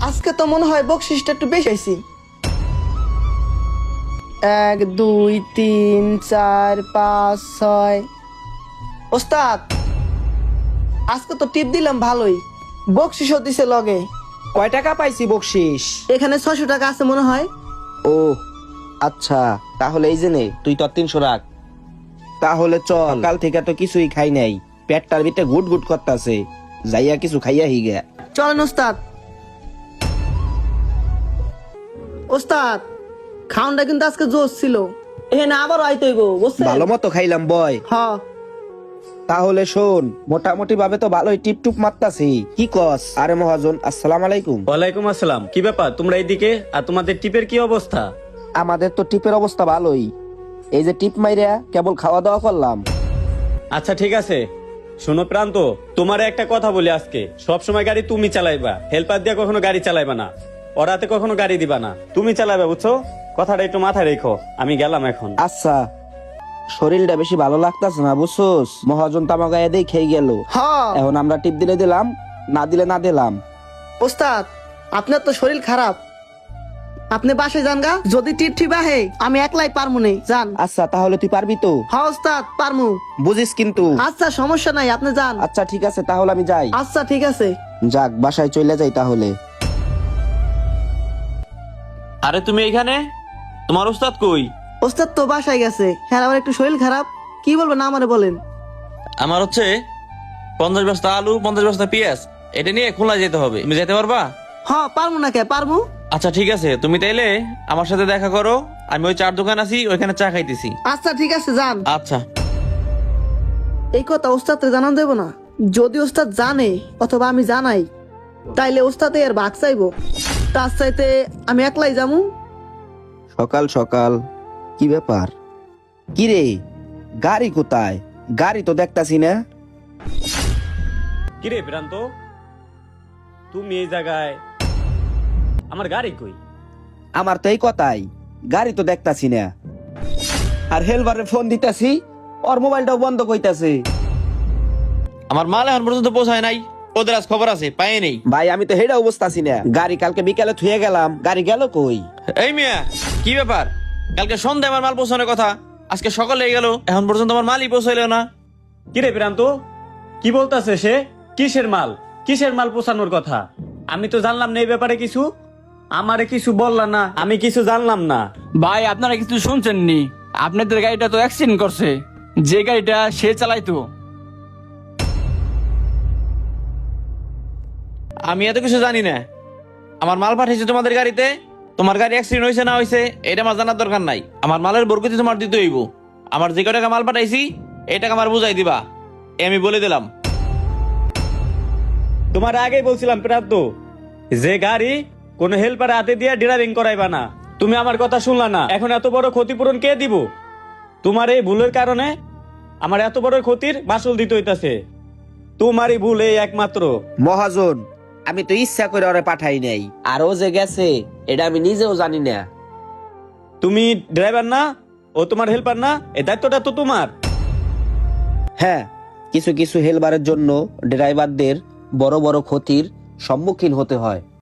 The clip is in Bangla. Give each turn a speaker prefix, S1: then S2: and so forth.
S1: আজকে তো মনে হয় বকশিসটা একটু বেশি আইছি। 1 2 3 4 5 6। ওস্তাদ, আজকে তো টিপ দিলাম ভালোই, বকশিসও দিছে লগে।
S2: কয় টাকা পাইছি বকশিস?
S1: এখানে 600 টাকা আছে মনে হয়।
S2: ও আচ্ছা, তাহলে এই যে নে, তুই তো 300 রাখ। তাহলে চল, কাল থেকে তো কিছুই খাই নাই, পেটটার ভিতরে গুট গুট করতেছে, যাইয়া কিছু খাইয়া হিগে।
S1: চলেন ওস্তাদ। ওস্তাদ, খাউনটা কিন্তু আজকে জোশ ছিল। এখানে আবার আইতে হইব, বুঝছেন?
S2: ভালো মতো খাইলাম বয়।
S1: হ্যাঁ।
S2: তাহলে শোন, মোটামুটি ভাবে তো ভালোই টিপটুপ মারতাছি, কি কস? আরে মহাজন, আসসালামু আলাইকুম।
S3: ওয়ালাইকুম আসসালাম। কি ব্যাপার তোমরা এইদিকে, আর তোমাদের টিপের কি অবস্থা?
S2: আমাদের তো টিপের অবস্থা ভালোই, এই যে টিপ মাইরা কেবল খাওয়া দাওয়া করলাম।
S3: আচ্ছা ঠিক আছে, শোনো প্রান্ত, তোমার একটা কথা বলি, আজকে সব সময় গাড়ি তুমি চালাইবা, হেল্পার দিয়ে কখনো গাড়ি চালাইবা না, ওরাতে কখনো গাড়ি দিবা না, তুমি চালাইবা, বুঝছো? কথাটা একটু মাথায় রেখো। আমি গেলাম এখন।
S2: আচ্ছা, শরীরটা বেশি ভালো লাগতাছে না বুঝছোস, মহাজন তামা গায়ে দিয়ে খেয়ে গেল।
S1: হ্যাঁ
S2: এখন আমরা টিপ দিলে দিলাম, না দিলে না দিলাম।
S1: ওস্তাদ, আপনার তো শরীর খারাপ, আপনি বাসে যান গা। যদি টিপ আহে আমি একলাই পারমু নে, যান।
S2: আচ্ছা তাহলে তুই পারবি তো?
S1: হ্যাঁ ওস্তাদ, পারমু।
S2: বুঝিস কিন্তু।
S1: আচ্ছা সমস্যা নাই, আপনি যান।
S2: আচ্ছা ঠিক আছে, তাহলে আমি যাই।
S1: আচ্ছা ঠিক আছে।
S2: যাক, বাসায় চলে যাই তাহলে।
S4: আরে তুমি এইখানে, তোমার ওস্তাদ কই?
S1: ওস্তাদ তো বাসায় গেছে, হ্যাঁ আমার একটু শরীর খারাপ। কি বলবেন আমারে বলেন।
S4: আমার হচ্ছে 50 বস্তা আলু, 50 বস্তা পেঁয়াজ, এটা নিয়ে খুলনা যেতে হবে, তুমি যেতে পারবা?
S1: হ্যাঁ পারমু না কে, পারমু।
S4: আচ্ছা ঠিক আছে, তুমি তাইলে আমার সাথে দেখা করো, আমি ওই চার দোকান আছি, ওইখানে চা খাইতেছি।
S1: আচ্ছা ঠিক আছে, যান।
S4: আচ্ছা।
S1: এই কথা ওস্তাদকে জানান দেব না। যদি ওস্তাদ জানে অথবা আমি জানাই, তাইলে ওস্তাদে আর ভাগ চাইবো। তার চাইতে আমি একলাই যামু।
S2: সকাল সকাল কি ব্যাপার? কি রে, গাড়ি কোথায়? গাড়ি তো দেখতাছি না।
S3: কিরে প্রান্ত, তুমি এই জায়গায়, আমার গাড়ি কই?
S2: আমার তো এই কথাই, গাড়ি তো দেখতাছি না। আর হেলবারে ফোন দিতাছি, ওর মোবাইলটাও বন্ধ কইতাছে।
S4: আমার মাল এখন পর্যন্ত পৌঁছায় নাই, ওদের আজ খবর আছে, পাই নেই।
S2: ভাই আমি তো হেডা অবস্থাছি না, গাড়ি কালকে বিকালে থুয়ে গেলাম, গাড়ি গেল কই?
S4: এই মিয়া, কি ব্যাপার? কালকে সন্ধ্যায় আমার মাল পৌঁছানোর কথা, আজকে সকালে গেল, এখন পর্যন্ত আমার মালই পৌঁছাইলো না।
S3: কিরে প্রান্ত, কি বলতাছে সে? কিসের মাল? কিসের মাল পৌঁছানোর কথা? আমি তো জানলাম না এই ব্যাপারে কিছু, আমারে কিছু বললা না, আমি কিছু জানলাম না।
S5: ভাই আপনারা কিছু শুনছেন নি? আপনাদের গাড়িটা তো অ্যাক্সিডেন্ট করছে, যে গাড়িটা সে চালাইতো।
S4: আমি এত কিছু জানি না, আমার মাল পাঠিয়েছে তোমাদের গাড়িতে, তোমার গাড়ি অ্যাক্সিডেন্ট হয়েছে না হয়েছে এটা আমার জানার দরকার নাই। আমার মালের বরকতি তোমার দিতে হইব, আমার যে টাকা মাল পাঠাইছি এই টাকা আমার বুঝাই দিবা, এ আমি বলে দিলাম।
S3: তোমার আগেই বলছিলাম প্রান্ত, যে গাড়ি কোন হেল্পার হাতে দিয়ে ড্রাইভিং করাইবা না। তুমি আমার কথা শুনলা না, এখন এত বড় ক্ষতিপূরণ কে দিব? তোমার এই ভুলের কারণে আমার এত বড় ক্ষতির মাসুল দিতে হইতাছে। তোমারই ভুল এই একমাত্র।
S2: মহাজন, আমি তো ইচ্ছা করে ওরে পাঠাই নাই, আর ও যে গেছে এটা আমি নিজেও জানি না।
S3: তুমি ড্রাইভার না, ও তোমার হেল্পার না, এই দায়িত্বটা তো তোমার।
S2: হ্যাঁ, কিছু কিছু হেলবারের জন্য ড্রাইভারদের বড় বড় ক্ষতির সম্মুখীন হতে হয়।